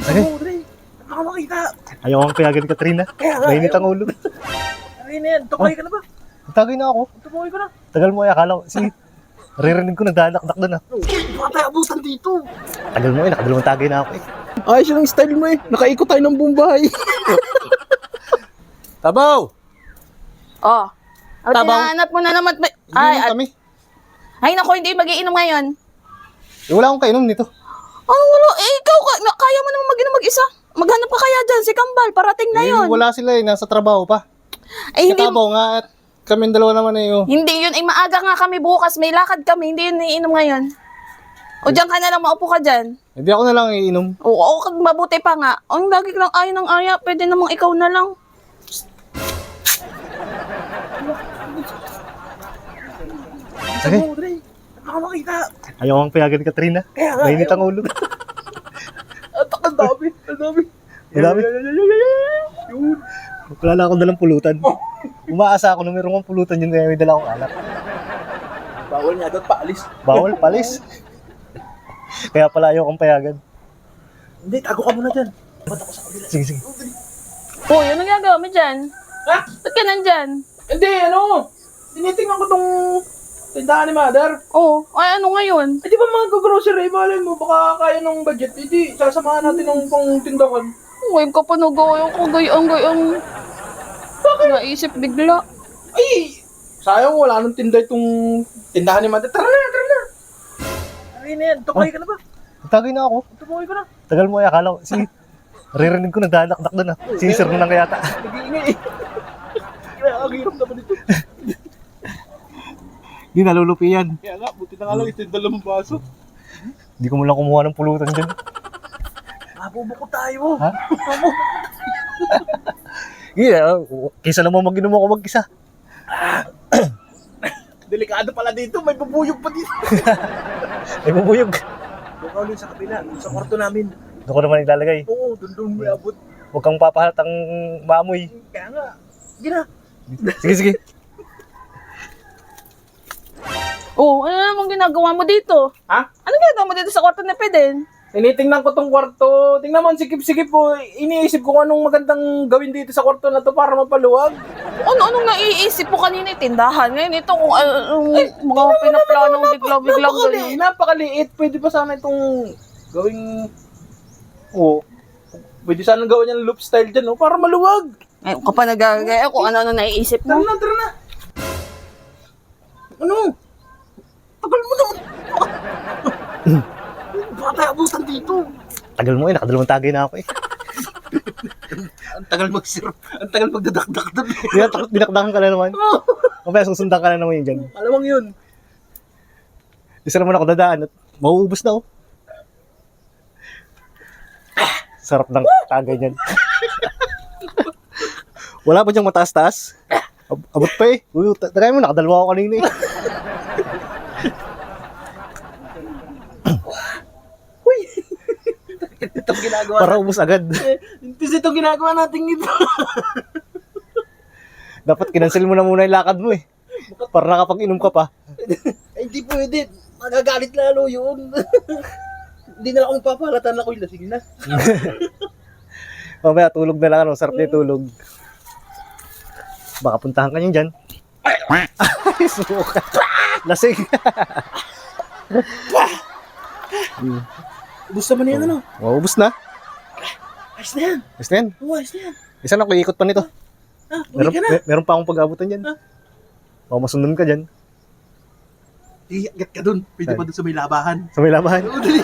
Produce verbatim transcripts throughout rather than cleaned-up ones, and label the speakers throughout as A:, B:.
A: Sige.
B: Baka makita.
A: Ayaw kang payagan ni Katrina.
B: Kaya nga,
A: Mainit ang
B: ayaw.
A: ulo.
B: Ay na yan, tukay ka na ba?
A: Tagay na ako.
B: Tukay ka na.
A: Tagal mo eh. Akala ko. Sige. Naririnig ko nagdanak-dak doon ah.
B: Baka tayo abutan dito.
A: Tagal mo eh. Nakadalawang tagay na ako eh.
C: Ayos yung style mo eh. Nakaikot tayo ng buong bahay.
A: Tabaw!
D: Oh. Oh,
A: Tabaw.
D: tinahanap mo na naman. Ay,
A: Ay,
D: at,
A: kami.
D: ay naku, hindi mag-iinom ngayon.
A: Eh, wala akong kainom nito.
D: Oh, wala. Eh, ikaw, ka- na, kaya mo naman mag-inom mag-isa. Maghanap ka kaya dyan, si Kambal. Parating na
A: Eh,
D: yun.
A: wala sila eh. Nasa trabaho pa.
D: Ay, hindi,
A: Tabaw nga at kami dalawa naman eh. Oh.
D: hindi yun. Ay, maaga nga kami bukas. May lakad kami. Hindi yun iinom ngayon. O, dyan ka na lang. Maupo ka dyan.
A: Hindi ako na lang iinom.
D: Oo, oo, mabuti pa nga. Ang lagi lang ayaw ng aya. Pwede namang ikaw na lang.
A: Sige.
B: Oo, Dre. Baka makita.
A: Ayaw kang payagan ni Katrina.
B: Kaya nga,
A: Mainit
B: ayaw.
A: ang ulo.
B: At ang dami, ang dami.
A: Ang dami.
B: Yun.
A: Wala na akong dalang pulutan. Umaasa ako na meron kong pulutan yun kaya may dala akong alak.
B: Bawal nga daw, paalis.
A: Bawal, palis. Kaya pala ayaw kang payagan.
B: Hindi, tago ka muna dyan. Ba't ako sa kabila?
A: Sige, sige.
D: Oo, yun ang gagawa mo dyan.
B: Ha?
D: Ba't ka nandyan?
B: Hindi, ano? Tinitingnan ko tong tindahan ni Mother.
D: Oo, ay ano ngayon?
B: Eh, di ba mga grocery, malay mo, baka kaya ng budget. Hindi, sasamahan natin ng pang tindahan.
D: Ngayon ka pa nag-ayong ko, gayang-gayang. Bakit? Naisip bigla.
B: Ay, sayang wala nang tinda itong tindahan ni Mother. Tara na, tara na. Ay na yan, tukay ka na ba?
A: Tagay na ako.
B: Tukay ka na.
A: Tagal mo eh. Akala ko. Sige. Naririnig ko nagdanak-dak doon ah. Sinisir mo lang yata.
B: Nag-iingay eh. Kaya ang hirap naman ito.
A: Hindi nalulupi yan.
B: Kaya nga, buti na nga lang ito yung dalawang baso.
A: Hindi ko mo lang kumuha ng pulutan dyan.
B: Mabubuko tayo.
A: Ha? Yeah, kisa naman mag-inom ako mag-isa.
B: Delikado pala dito, may bubuyog pa dito.
A: Ay bubuyog.
B: Doon ka ulit sa kabila, sa kwarto namin.
A: Doon ko naman ilalagay.
B: Oo, doon doon may abot.
A: Huwag kang papahalatang maamoy.
B: Kaya nga, sige na.
A: Sige, sige.
D: Oo, ano namang ginagawa mo dito?
B: Ha?
D: Ano ginagawa mo dito sa kwarto ni Peden?
B: Tinitingnan ko tong kwarto. Tingnan mo, sikip-sikip po. Iniisip ko kung anong magandang gawin dito sa kwarto na to para mapaluwag.
D: Ano-anong naiisip mo kanina yung tindahan? Ngayon ito kung anong mga pinaplanong bigla-biglang
B: Napakali,
D: ganyan.
B: napakaliit. Pwede pa sana itong gawing... Oo. Pwede sana gawin yung loop style dyan, no? Para maluwag.
D: Ngayon ka pa nagagaya kung ano-ano naiisip
B: Tara
D: mo.
B: na, tara na. Ano? Tagal mo naman. Baka tayo abutan dito.
A: Tagal mo eh. Nakadalawang tagay na ako eh.
B: Ang tagal mag-sirap. Ang tagal magdadakdak doon.
A: Dinak- Dinakdakan ka na naman. Mamaya susundan ka na naman yun dyan.
B: Alamang yun.
A: Isa naman ako dadaan at mauubos na oh. Sarap ng tagay niyan. Wala pa diyang mataas-taas. Ab- abot pa eh. Uy, ta- tagay mo, nakadalawa ako kanina eh.
B: Uy! Itong ginagawa
A: Para ubos agad.
B: Kasi itong ginagawa natin ito.
A: Dapat kinansel mo na muna yung lakad mo eh. Para nakapag-inom ka pa.
B: Ay, hindi pwede. Magagalit lalo yun. Hindi na lang akong papalatan na ko yun. Sige na.
A: Mamaya tulog na lang ano, sarap na yung tulog. Baka puntahan ka niyan dyan. Ay, suka. Lasing.
B: Ubus naman na yan, ano?
A: Maubos na.
B: Ayos na yan.
A: Basta yan.
B: Oo, ayos na yan.
A: Isa na, ikot pa nito.
B: Ah, uwi
A: Meron,
B: ka na.
A: mer- meron pa akong pag-abutan dyan.
B: Ah.
A: Baka masundan ka dyan.
B: Iyagat ka dun. Pwede pa dun sa may labahan.
A: Sa may labahan.
B: Oo, dali.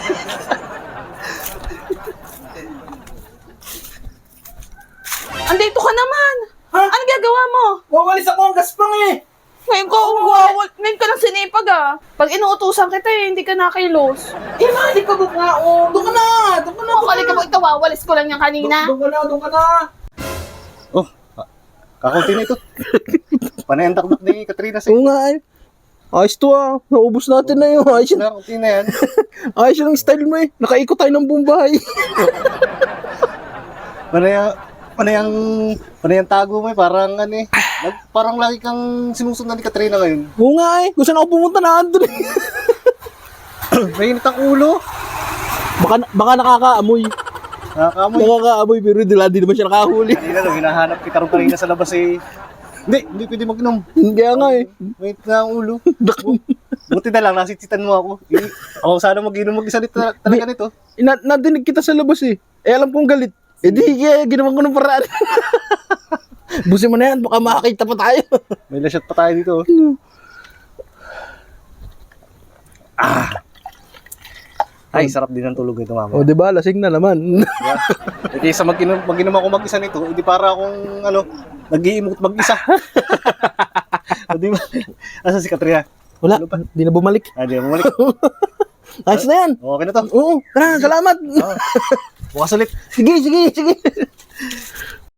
D: Andito ka naman!
B: Ha?
D: Ano gagawa mo?
B: Wawalis ako ang gaspang eh.
D: Ngayon ka, umawal, ngayon ka ng sinipag ah. Pag inuutusan kita eh, hindi ka nakilos.
B: Eh, mali ka ba nga? Oh, doon ka na. Doon ka na.
D: Ano, kali ka ba ito, wawalis ko lang yan kanina?
B: Doon ka na, doon ka na.
A: Oh, ah, kakunti na ito. Panay ang takbak ni Katrina sa
C: Oo nga eh. Ayos to ah. Naubos natin na yun. Ayos yun.
A: Kakunti na yan.
C: Ayos yung style mo eh. Nakaikot tayo ng buong bahay.
A: Panay ang, panay ang, panay ang tago mo eh. Parang ano eh. Lag- Parang lagi kang sinusundan ni Katrina ngayon.
C: Oo nga eh. Kung saan ako pumunta na andun eh.
A: Mainit ang ulo.
C: Baka, baka nakakaamoy.
A: Nakakaamoy.
C: Nakakaamoy pero di di naman siya nakahuli.
A: Kanina lang, hinahanap kita rin kanina sa labas eh. Hindi, hindi pwede mag-inom.
C: Kaya nga eh.
A: Wait na ang ulo. Buti na lang, nasitsitan mo ako. Eh, ako sana mag-inom mag-isa nito, talaga nito.
C: Na, nadinig kita sa labas eh. Eh alam kong galit. Eh di kaya ginawa ko ng paraan. Busin mo na yan, baka makakita pa tayo.
A: May lasyat pa tayo dito. oh. Ah! Ay, sarap din ang tulog nito, mama.
C: O di ba, lasing na naman.
A: Yeah. Eh, kaysa mag-inom, mag-inom ako mag-isa nito, hindi para akong, ano, nag-iimot mag-isa. O, di ba? Asa si Katrina?
C: Wala,
A: Ano pa?
C: di na bumalik.
A: Ah, di ba bumalik?
C: Ayos na yan.
A: Okay na to.
C: Oo, tara, salamat.
A: Bukas ulit.
C: Sige, sige, sige.